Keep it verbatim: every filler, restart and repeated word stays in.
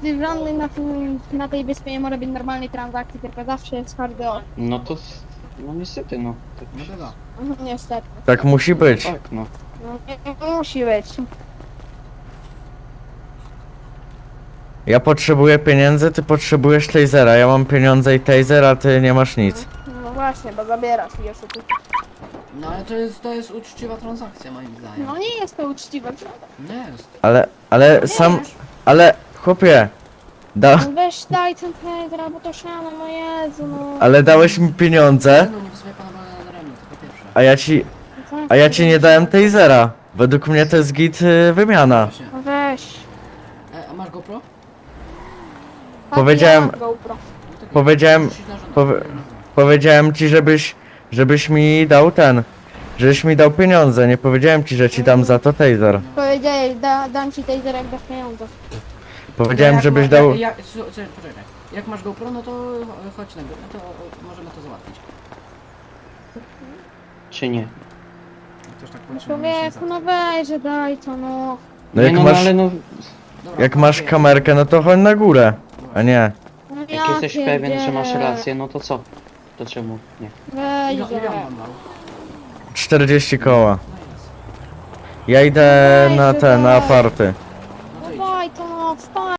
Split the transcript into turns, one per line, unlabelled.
niestety żadnej na, tym, na tej wyspie nie może być normalnej transakcji, tylko zawsze jest hardy off.
No to... No niestety, no. Tak,
No bywa.
Mhm, niestety.
Tak musi być.
tak, no.
No, nie, nie musi być.
Ja potrzebuję pieniędzy, ty potrzebujesz tasera. Ja mam pieniądze i taser, a ty nie masz nic.
No właśnie, bo zabierasz i jeszcze tu.
No ale to jest, to jest uczciwa transakcja moim zdaniem.
No nie jest to uczciwe, prawda?
Nie jest.
Ale, ale sam, ale chłopie, da,
No weź daj ten taser, bo to szano, no Jezu, no.
ale dałeś mi pieniądze,
No nie wysyłaj pana Bogdana na ramię, to po pierwsze.
a ja ci,
Co?
a ja ci nie dałem tasera. Według mnie to jest git y, wymiana.
Właśnie.
No weź.
E, a masz GoPro?
Tak,
Powiedziałem-
ja mam GoPro.
No to
Powiedziałem-
musisz na żądać.
powie- Powiedziałem ci, żebyś, żebyś mi dał ten, żebyś mi dał pieniądze. Nie powiedziałem ci, że ci dam za to taser.
Powiedziałeś, da, dam ci taser jak dasz pieniądze.
Powiedziałem,
jak
żebyś
ma-
dał...
Jak, jak, słuchaj, poczekaj. Jak masz GoPro, no to cho- chodź na górę, no to możemy to załatwić.
Czy nie?
Też tak
No
potrzebujemy się
człowieku, no weź, że daj to, no.
No
nie,
jak
no,
masz,
no ale no...
Dobra,
jak masz
okej.
kamerkę, no to chodź na górę, a nie.
No
Jak
ja
jesteś pewien, że masz
pierdzielę.
rację, no to co? To czemu nie?
Weź,
Ile, ile
że...
on wam dał?
czterdzieści koła.
No jest.
Ja idę
Weź,
na
że
te, na
daj.
aparty.